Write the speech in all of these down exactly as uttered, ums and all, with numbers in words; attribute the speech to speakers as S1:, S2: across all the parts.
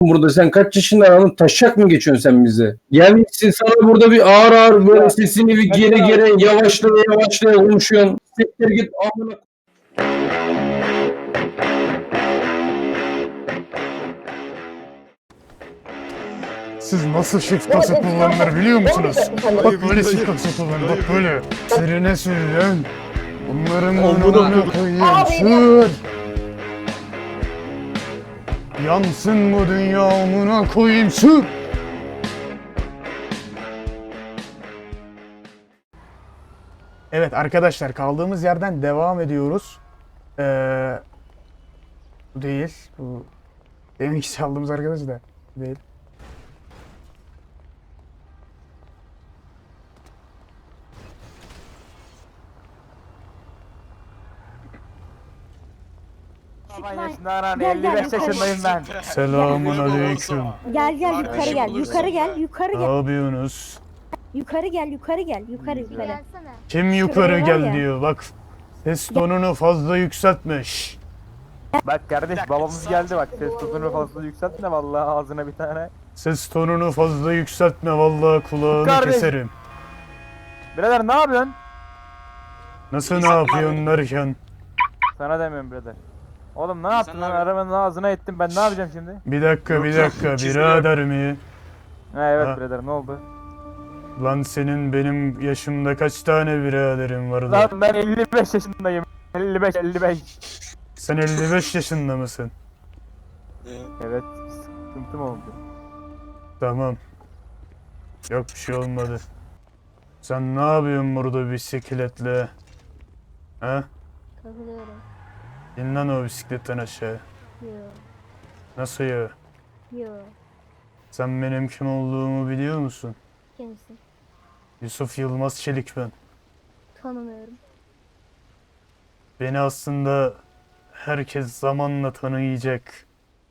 S1: burada? Sen kaç yaşında adamın taşak mı geçiyorsun sen bize? Gelmişsin sana burada bir ağır ağır böyle sesini bir geri geri yavaşlaya yavaşlaya konuşuyorsun. Siktir git amına.
S2: Siz nasıl shift kası kullanılır biliyor musunuz? Bak böyle shift kası kullanılır, bak böyle. Sirine sürülen. Bunların önüne koyayım, sür. Yansın bu dünya amına koyayım, sür. Evet arkadaşlar, kaldığımız yerden devam ediyoruz. Ee, bu değil, bu deminki çaldığımız arkadaş da değil.
S3: elli beş yaşındayım ben.
S2: Selamun aleyküm.
S3: Gel gel yukarı gel. Yukarı gel. Yukarı
S2: Ne
S3: gel.
S2: yapıyorsunuz?
S3: Yukarı gel. Yukarı gel. Yukarı yukarı.
S2: Kim yukarı
S3: var
S2: gel
S3: ya.
S2: diyor, bak. Ses tonunu fazla yükseltmiş.
S4: Bak kardeş babamız geldi bak ses tozunu fazla yükseltme vallahi ağzına bir tane.
S2: Ses tonunu fazla yükseltme, vallahi kulağını
S4: Kardeş.
S2: keserim.
S4: Birader ne yapıyorsun?
S2: Nasıl ne yapıyorsun derken?
S4: Sana demiyorum birader. Oğlum ne yaptın lan arabanın ağzına ettim ben ne yapacağım şimdi?
S2: Bir dakika bir dakika birader mi?
S4: Ha evet
S2: Ha.
S4: birader ne oldu?
S2: Lan senin benim yaşımda kaç tane biraderin vardı?
S4: Lan ben elli beş yaşındayım. elli beş elli beş.
S2: Sen elli beş yaşında mısın?
S4: Evet sıkıntım oldu.
S2: Tamam. Yok bir şey olmadı. Sen ne yapıyorsun burada bisikletle? Ha?
S3: Takılıyorum.
S2: İn lan o bisikletten aşağı.
S3: Yo.
S2: Nasıl ya?
S3: Yo.
S2: Sen benim kim olduğumu biliyor musun?
S3: Kimsin?
S2: Yusuf Yılmaz Çelik ben.
S3: Tanımıyorum.
S2: Beni aslında herkes zamanla tanıyacak.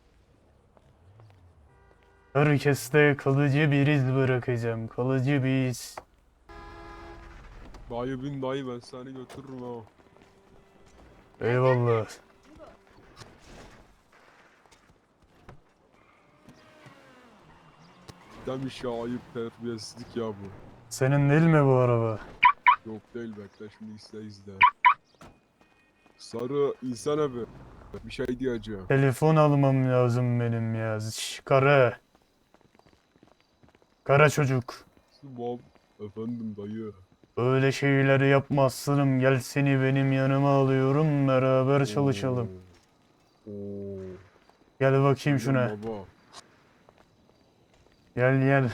S2: Herkeste kalıcı bir iz bırakacağım. Kalıcı bir iz.
S5: Dayı bin dayı ben seni götürürüm ha.
S2: Eyvallah.
S5: Demiş ya ayıp terbiyesizlik ya bu.
S2: Senin değil mi bu araba?
S5: Yok değil bekle şimdi izle izle. Sarı insan abi. Bir şey diyeceğim.
S2: Telefon almam lazım benim ya. Şş, kara. Kara çocuk.
S5: Tamam. Efendim dayı.
S2: Öyle şeyleri yapma aslanım. Gel seni benim yanıma alıyorum. Beraber çalışalım.
S5: Oo.
S2: Gel bakayım şuna.
S5: Baba.
S2: Gel gel.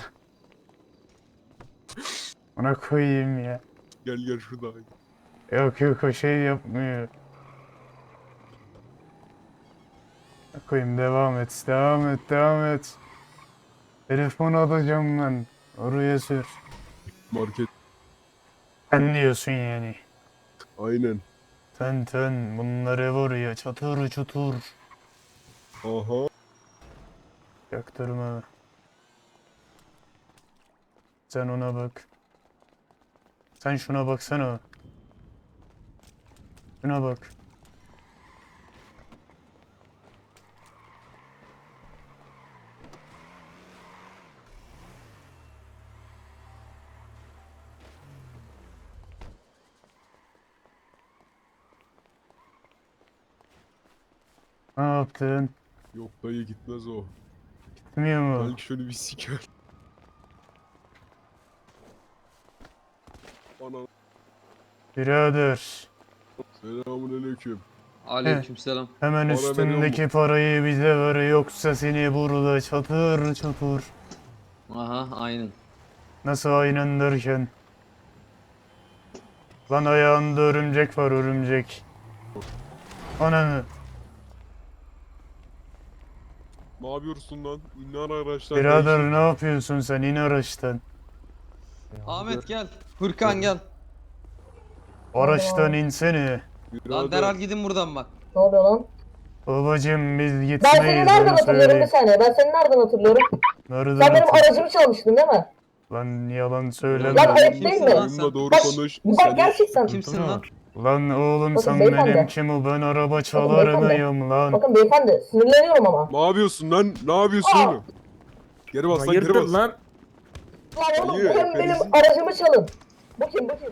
S2: Ona koyayım ya.
S5: Gel gel şurada.
S2: Yok yok o şey yapmıyor. Koyayım devam et. Devam et. Devam et. Telefon alacağım ben. Oraya sür.
S5: Market.
S2: Sen diyorsun yani.
S5: Aynen.
S2: Ten ten bunları var ya çatır çutur.
S5: Aha.
S2: Yaktırma. Sen ona bak. Sen şuna baksana. Şuna bak. Ne yaptın?
S5: Yok dayı gitmez o.
S2: Gitmiyor mu?
S5: Belki şöyle bir siker. Ana.
S2: Birader.
S5: Selamun aleyküm.
S6: Aleykümselam.
S2: Hemen
S5: Para
S2: üstündeki parayı bize ver yoksa seni burada çatır çatır.
S6: Aha aynen.
S2: Nasıl aynen derken? Lan ayağında örümcek var örümcek. Ananı.
S5: Ne yapıyorsun lan? İnler araçlar.
S2: Birader
S5: değişik.
S2: ne yapıyorsun sen? İn araçtan.
S6: Ahmet gel. Furkan gel.
S2: Araçtan insene.
S6: Lan derhal gidin buradan bak.
S7: Ne oluyor lan?
S2: Babacım biz
S7: Ben seni
S2: gitmeyiz
S7: nereden
S2: onu
S7: hatırlıyorum bir
S2: söyleyeyim.
S7: saniye. Ben seni nereden hatırlıyorum?
S2: Nereden
S7: Sen benim
S2: hatır-
S7: aracımı çalmıştın değil mi?
S2: Lan yalan söyleme.
S7: Lan ayıp değil
S6: Kimsin
S7: mi?
S6: lan
S5: Benimle
S6: sen?
S5: doğru
S7: Bak,
S5: konuş.
S7: Bak
S5: Seni-
S7: gerçekten.
S6: Kimsin lan?
S2: Lan oğlum
S7: Bakın
S2: sen
S7: beyefendi.
S2: benim kim o? Ben araba çalar
S7: beyefendi.
S2: mıyım lan?
S7: Bakın beyefendi sinirleniyorum ama.
S5: Ne yapıyorsun lan? Ne yapıyorsun
S7: Aa!
S5: oğlum? Geri bas lan,
S8: Hayırdır
S5: geri bas.
S8: lan?
S7: Lan oğlum
S5: Dayı,
S7: benim, benim
S5: hepinizin-
S7: aracımı çalın. Bu kim bu kim?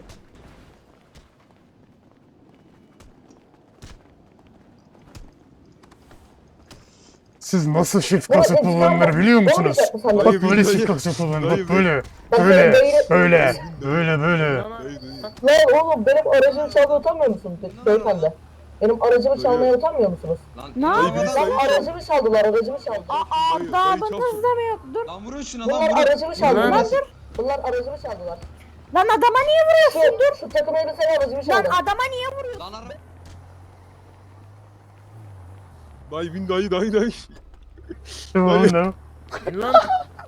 S2: Siz nasıl şifre
S7: Ya,
S2: kasıt
S7: ya,
S2: kullanılır
S7: ya,
S2: biliyor
S7: ne
S2: musunuz?
S7: olacak bu sandalye?
S2: Bak
S5: Dayı,
S2: böyle
S5: dayı.
S2: şifre kasıt kullanılır.
S5: Dayı,
S2: Bak böyle.
S7: Bak,
S2: Böyle.
S7: dayı-
S2: Böyle. Böyle böyle.
S5: Dayı, dayı.
S7: Lan oğlum benim aracımı çalmaya utanmıyor musunuz be- beyefendi? Benim aracımı çalmaya utanmıyor musunuz?
S6: Lan
S8: Ne
S6: in
S5: yapıyorsun?
S6: arabadan.
S7: Lan aracımı çaldılar aracımı çaldılar.
S8: Aa
S5: Dayı,
S8: damınız
S5: dayı
S8: da mı yok? Dur.
S6: Lan vurun şuna lan
S7: Bunlar
S6: vurun.
S7: aracımı çaldılar.
S8: Lan
S7: Dur. Bunlar aracımı çaldılar.
S8: Lan adama niye vuruyorsun?
S7: Şu, şu takım elbiseli aracımı
S8: Lan
S7: çaldı.
S8: adama niye vuruyorsun?
S6: Lan araba.
S5: Dayı bin dayı dayı dayı.
S2: Devam devam.
S8: Lan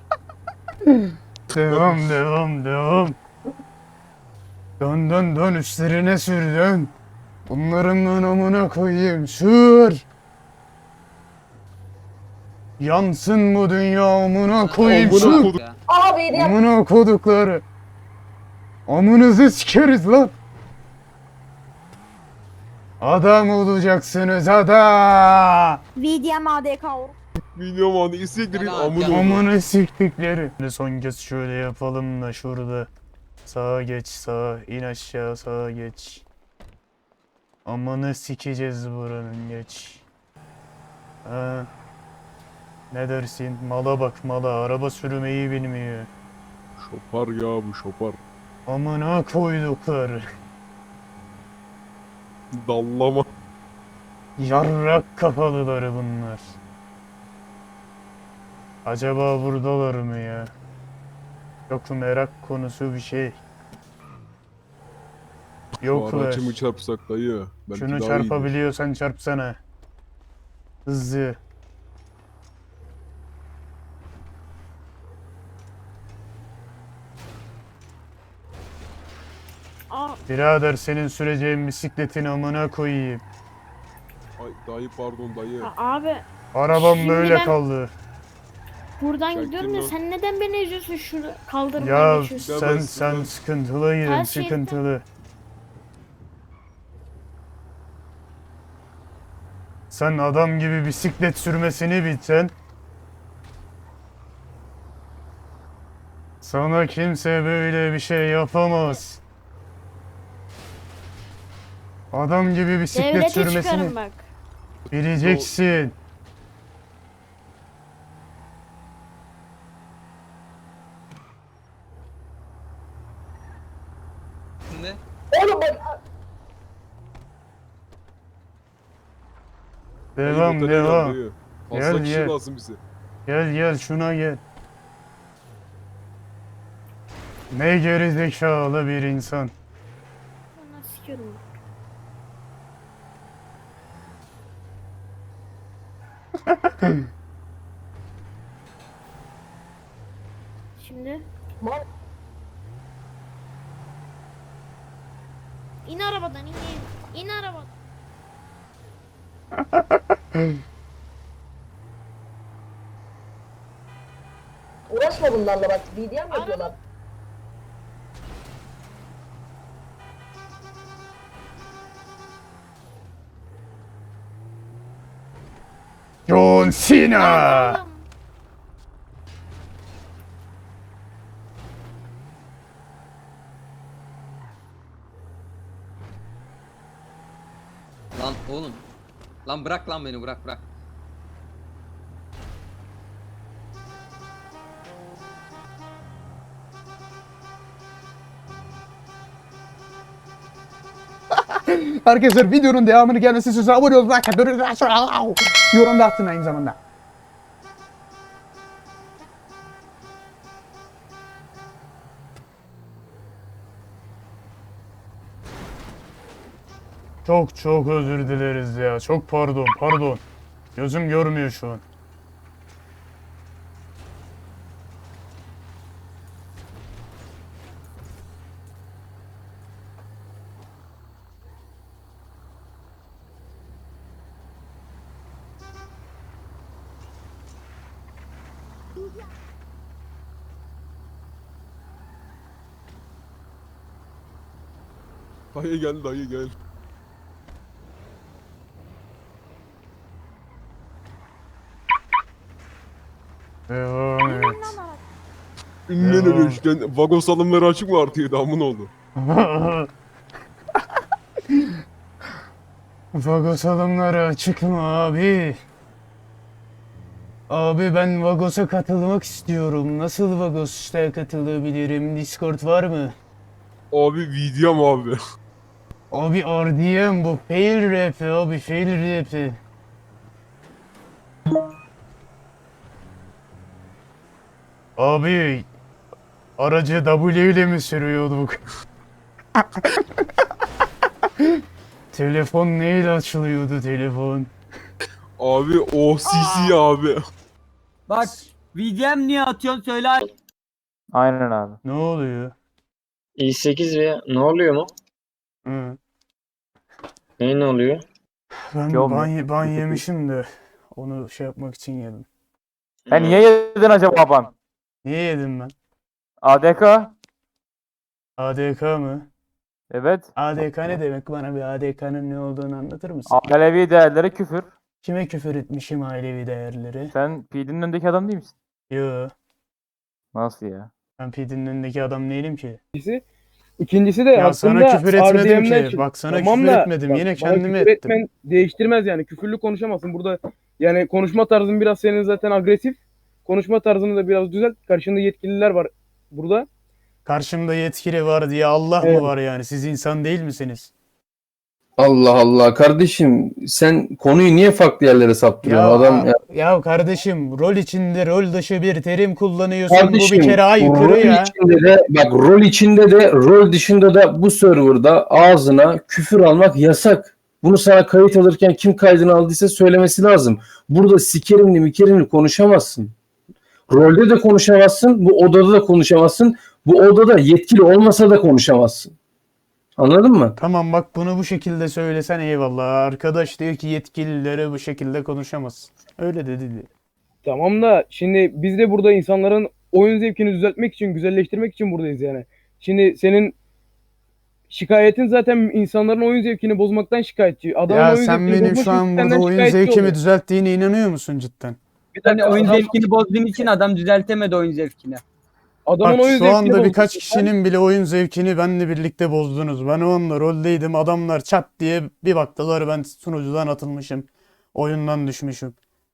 S2: Devam devam devam. Dön dön dön üstlerine sür dön. Bunların ben amına koyayım sür. Yansın bu dünya amına koyayım
S5: Amına
S2: sür.
S5: kodum.
S6: Ya.
S7: Abi diye
S2: Amına kodukları. Amınızı sikeriz lan. Adam olacaksınız adam.
S8: V D M A D K or.
S5: Milyon anı isteklerin
S6: Gel abi,
S5: amına
S6: gel.
S5: oğlum.
S2: Amına siktikleri. Şimdi son kez şöyle yapalım da şurada. Sağa geç sağa, in aşağı sağa geç. Amına sikeceğiz buranın geç. Ha. Ne dersin? Mala bak mala, araba sürmeyi bilmiyor.
S5: Şopar ya bu şopar.
S2: Amına koydukları.
S5: Dallama.
S2: Yarrak kafalıları bunlar. Acaba buradalar mı ya? Çok merak konusu bir şey.
S5: Bu
S2: Yoklar.
S5: aracı mı çarpsak dayı? Belki
S2: Şunu
S5: daha iyidir.
S2: çarpabiliyorsan çarpsana. Hızlı.
S8: Aa
S2: Birader senin süreceğin bisikletin amına koyayım.
S5: Ay dayı pardon dayı.
S8: a- abi
S2: Arabam
S8: Şimdi
S2: böyle
S8: ben-
S2: kaldı.
S8: buradan
S5: Çektim
S8: gidiyorum da
S5: lan.
S8: sen neden beni eziyorsun şurada kaldırımdan
S2: Ya
S8: geçiyorsun?
S5: Ya
S2: sen
S5: ben-
S2: sen
S5: ben-
S2: sıkıntılıydın
S8: Her şey-
S2: sıkıntılı. Sen adam gibi bisiklet sürmesini bilsen. Sana kimse böyle bir şey yapamaz. Adam gibi bisiklet
S8: Devlete
S2: sürmesini
S8: çıkarım bak.
S2: bileceksin.
S6: Ne?
S7: oğlum bak
S5: Dayı,
S2: Devam
S5: batarya gel
S2: devam.
S5: dayı.
S2: Gel,
S5: Fazla kişi
S2: gel.
S5: lazım bize.
S2: Gel gel şuna gel. Ne gerizekalı bir insan.
S8: Ondan sikiyorum bak. Şimdi
S7: mal
S8: in arabadan in in. İn arabadan.
S7: uğraşma bunlarla bak. B D M yapıyorlar.
S2: John Cena.
S8: Oğlum,
S6: Lan oğlum. Lan bırak lan beni bırak bırak.
S9: Arkadaşlar videonun devamını gelmesi için abone olun, like atın, yorum da atın aynı zamanda.
S2: Çok çok özür dileriz ya. Çok pardon pardon. Gözüm görmüyor şu an.
S5: Dayı gel dayı gel.
S2: Devam et.
S5: İnnen
S2: Devam.
S5: öyle işte. Vagon salonları açık mı artıyor damın oldu?
S2: Vagos alımları açık mı abi? Abi ben Vagos'a katılmak istiyorum. Nasıl Vagos'a katılabilirim? Discord var mı?
S5: Abi videom abi.
S2: Abi R D M bu fail rap abi fail rap. Abi aracı W ile mi sürüyorduk? Telefon neyle açılıyordu telefon?
S5: Abi O C C abi.
S10: Bak V D M niye atıyorsun söyle.
S4: Aynen abi.
S2: Ne oluyor?
S11: i sekiz ve ne oluyor mu?
S2: Hı.
S11: Ne ne oluyor?
S2: Ben
S4: Yok mu?
S2: ban, ban yemişim de onu şey yapmak için yedim.
S4: Sen niye yedin acaba ban?
S2: Niye yedim ben?
S4: A D K?
S2: A D K mı?
S4: Evet.
S2: A D K ne demek? Bana bir A D K'nın ne olduğunu anlatır mısın?
S4: Alevi değerleri küfür.
S2: Kime küfür etmişim ailevi değerleri?
S4: Sen P D'nin önündeki adam değil misin?
S2: Yo,
S4: Nasıl ya?
S2: ben P D'nin önündeki adam değilim ki.
S12: İkincisi de
S2: Ya sana
S12: hakkında
S2: küfür etmedim
S12: R D M'den
S2: ki.
S12: çık-
S2: Bak sana
S12: Tamam
S2: küfür
S12: da,
S2: etmedim.
S12: bak,
S2: Yine
S12: bana
S2: kendime
S12: küfür
S2: ettim.
S12: etmen değiştirmez yani. Küfürlü konuşamazsın. Burada yani konuşma tarzın biraz senin zaten agresif. Konuşma tarzını da biraz düzelt. Karşında yetkililer var burada.
S2: Karşımda yetkili var diye Allah
S12: Evet.
S2: mı var yani? Siz insan değil misiniz?
S1: Allah Allah kardeşim sen konuyu niye farklı yerlere saptırıyorsun?
S2: Ya,
S1: Adam ya,
S2: ya kardeşim rol içinde rol dışı bir terim kullanıyorsun.
S1: kardeşim
S2: Bu bir kere aykırı
S1: rol
S2: ya.
S1: içinde de bak rol içinde de rol dışında da bu serverda ağzına küfür almak yasak. Bunu sana kayıt alırken kim kaydını aldıysa söylemesi lazım. Burada sikerimli mikerimli konuşamazsın. Rolde de konuşamazsın. Bu odada da konuşamazsın. Bu odada yetkili olmasa da konuşamazsın. Anladın mı?
S2: Tamam bak bunu bu şekilde söylesen eyvallah. Arkadaş diyor ki yetkililere bu şekilde konuşamazsın. Öyle dedi.
S12: Tamam da şimdi biz de burada insanların oyun zevkini düzeltmek için, güzelleştirmek için buradayız yani. Şimdi senin şikayetin zaten insanların oyun zevkini bozmaktan şikayetçi. Adamın
S2: Ya
S12: oyun
S2: sen
S12: zevkini
S2: benim
S12: bozmak
S2: şu
S12: için
S2: an
S12: senden
S2: burada oyun
S12: şikayetçi
S2: zevkimi
S12: oluyor.
S2: düzelttiğine inanıyor musun cidden?
S12: Bir
S10: Hani
S12: dakika,
S10: oyun
S12: adam-
S10: zevkini bozduğun için adam düzeltemedi oyun zevkini.
S12: adamın
S2: Bak
S12: oyun
S2: şu
S12: zevkini
S2: anda
S12: bozdun.
S2: birkaç kişinin bile oyun zevkini benle birlikte bozdunuz. Ben onunla roldeydim. Adamlar çat diye bir baktılar ben sunucudan atılmışım. Oyundan düşmüşüm.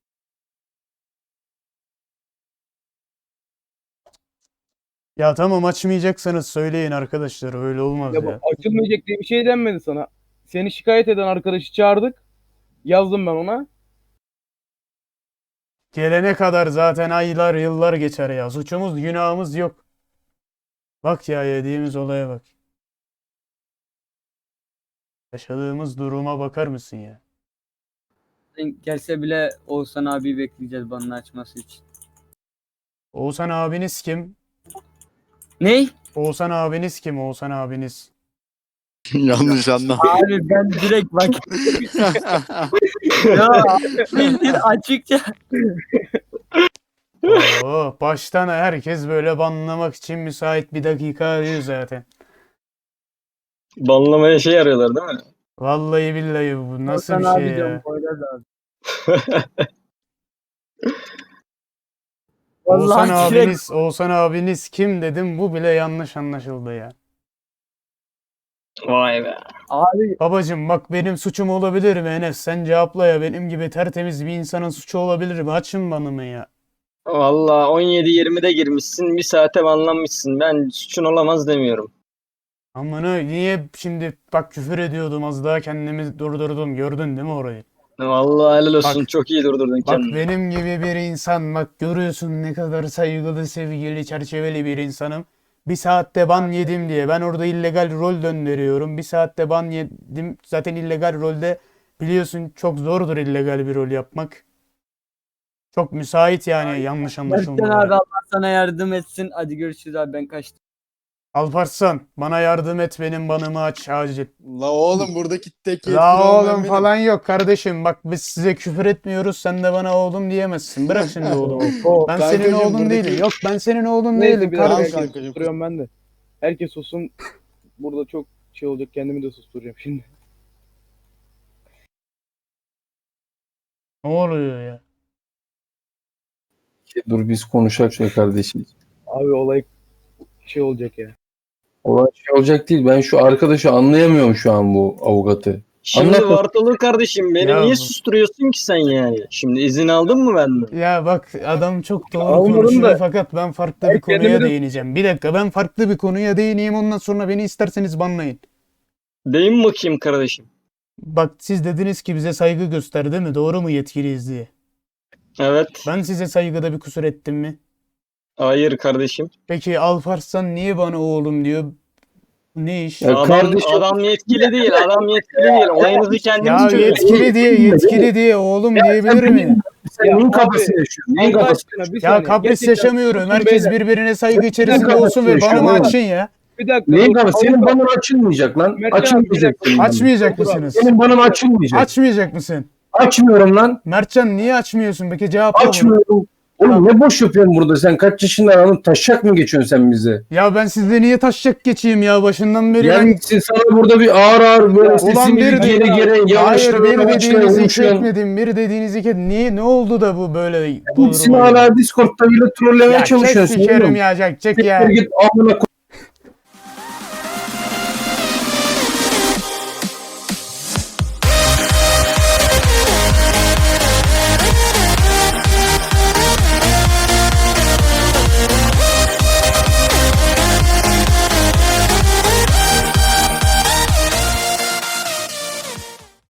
S2: Ya tamam açmayacaksanız söyleyin arkadaşlar. Öyle olmaz
S12: Ya
S2: ya.
S12: bak, açılmayacak diye bir şey denmedi sana. Seni şikayet eden arkadaşı çağırdık. Yazdım ben ona.
S2: Gelene kadar zaten aylar yıllar geçer ya. Suçumuz günahımız yok. Bak ya yediğimiz olaya bak. Yaşadığımız duruma bakar mısın ya?
S10: Gelse bile Oğuzhan abi bekleyeceğiz banını açması için.
S2: Oğuzhan abiniz kim?
S10: Ney?
S2: Oğuzhan abiniz kim? Oğuzhan abiniz.
S11: Yanlış anlam.
S10: Abi ben direkt bak. Ya bildiğin açıkça.
S2: Oo, baştan herkes böyle banlamak için müsait bir dakika arıyor zaten.
S11: Banlamaya şey arıyorlar değil mi?
S2: Vallahi billahi bu nasıl
S10: Oğuzhan
S2: bir
S10: abi
S2: şey
S10: diyorum,
S2: ya?
S10: Poyraz abi.
S2: Oğuzhan
S10: Vallahi direkt-
S2: abiniz, Oğuzhan abiniz kim dedim bu bile yanlış anlaşıldı ya.
S11: Vay be.
S10: Abi
S2: Babacım bak benim suçum olabilir mi Enes? Sen cevapla ya benim gibi tertemiz bir insanın suçu olabilir mi? Açın banımı ya.
S11: Valla on yedi yirmide girmişsin. Bir saate banlanmışsın. Ben suçun olamaz demiyorum.
S2: Amına niye şimdi bak küfür ediyordum az daha kendimi durdurdum gördün değil mi orayı?
S11: Vallahi helal olsun.
S2: Bak-
S11: Çok iyi durdurdun
S2: Bak
S11: kendini.
S2: benim gibi bir insan bak görüyorsun ne kadar saygılı, sevgili, çerçeveli bir insanım. Bir saatte ban yedim diye ben orada illegal rol döndürüyorum. Bir saatte ban yedim. Zaten illegal rolde biliyorsun çok zordur illegal bir rol yapmak. Çok müsait yani yanlış
S10: Berkcan
S2: anlaşılmalara.
S10: abi Allah sana yardım etsin. Hadi görüşürüz abi ben kaçtım.
S2: Alparslan bana yardım et benim banımı aç acil.
S11: La oğlum buradaki tek
S2: La oğlum falan yok kardeşim bak biz size küfür etmiyoruz sen de bana oğlum diyemezsin. Bırak şimdi oğlumu.
S12: O,
S2: Ben senin
S11: Kankacığım,
S2: oğlun
S11: buradaki-
S2: değilim. Yok ben senin oğlun
S12: neyse
S2: değilim
S12: bir dakika
S2: kardeşim.
S12: herkes
S11: kankacığım.
S12: susturuyorum ben de. Herkes sussun. Burada çok şey olacak. Kendimi de susturacağım şimdi.
S2: Ne oluyor ya?
S1: Dur biz konuşak şöyle kardeşim.
S12: Abi olay şey olacak ya.
S1: Olan şey olacak değil. Ben şu arkadaşı anlayamıyorum şu an bu avukatı.
S11: Şimdi
S1: Anlat.
S11: Vartalı kardeşim beni
S2: Ya
S11: niye
S2: bu-
S11: susturuyorsun ki sen yani? Şimdi izin aldın mı benden?
S2: Ya bak adam çok doğru
S12: Almadım
S2: konuşuyor
S12: da-
S2: fakat ben farklı
S12: Ben
S2: bir konuya
S12: kendimi de-
S2: değineceğim. Bir dakika ben farklı bir konuya değineyim ondan sonra beni isterseniz banlayın.
S11: Deyin bakayım kardeşim.
S2: Bak siz dediniz ki bize saygı göster değil mi? Doğru mu yetkiliyiz diye.
S11: Evet.
S2: Ben size saygıda bir kusur ettim mi?
S11: Hayır kardeşim.
S2: Peki Alparslan niye bana oğlum diyor? Ne iş?
S1: Ya
S2: Ya,
S11: Adam,
S1: kardeşim-
S11: adam yetkili değil. Adam yetkili değil. Olayınızı kendiniz çözün.
S2: yetkili diye yetkili diye oğlum diyebilir mi?
S1: Sen
S12: Ya
S1: neyin
S12: abi,
S1: kafasını yaşıyorsun? Neyin
S12: Allah
S1: kafasını?
S12: aşkına bir
S2: Ya
S12: saniye.
S2: kapris
S12: Gerçekten
S2: yaşamıyorum.
S12: susun
S2: Herkes
S12: beyler.
S2: birbirine saygı içerisinde
S1: Neyin
S2: olsun ve
S1: kafasını
S2: bana
S1: yaşıyor
S2: açın ya.
S12: Bir dakika.
S1: Neyin
S12: dur.
S1: kafası? Senin
S12: Avukat-
S1: banın açılmayacak lan.
S12: Mertcan abi,
S1: Açılmayacak.
S12: bir dakika.
S2: Açmayacak mısınız?
S1: Senin banın açılmayacak.
S2: Açmayacak mısın?
S1: Açmıyorum lan.
S2: Mertcan niye açmıyorsun? Peki cevapla bunu.
S1: Açmıyorum. Oğlum ne boş yapıyorsun burada sen? Kaç yaşından adamın taşak mı geçiyorsun sen bize?
S2: Ya ben sizle niye taşacak geçeyim ya başından beri ben...
S1: Yani sana burada bir ağır ağır böyle
S2: Ulan
S1: sesini
S2: bir
S1: bir
S2: de-
S1: geri geri
S2: Hayır
S1: yanlışları
S2: bir
S1: açmaya
S2: dediğinizi
S1: konuşuyorsun.
S2: çekmedim. Bir dediğinizi çekmedim. Niye? Ne oldu da bu böyle? bu
S1: Hepsini
S2: duruma geldi?
S1: hala Discord'da bile trollemeye
S2: Ya çek
S1: çalışıyorsun.
S2: sikerim
S1: oğlum.
S2: ya çek çek
S1: Siktir
S2: ya.
S1: Git amına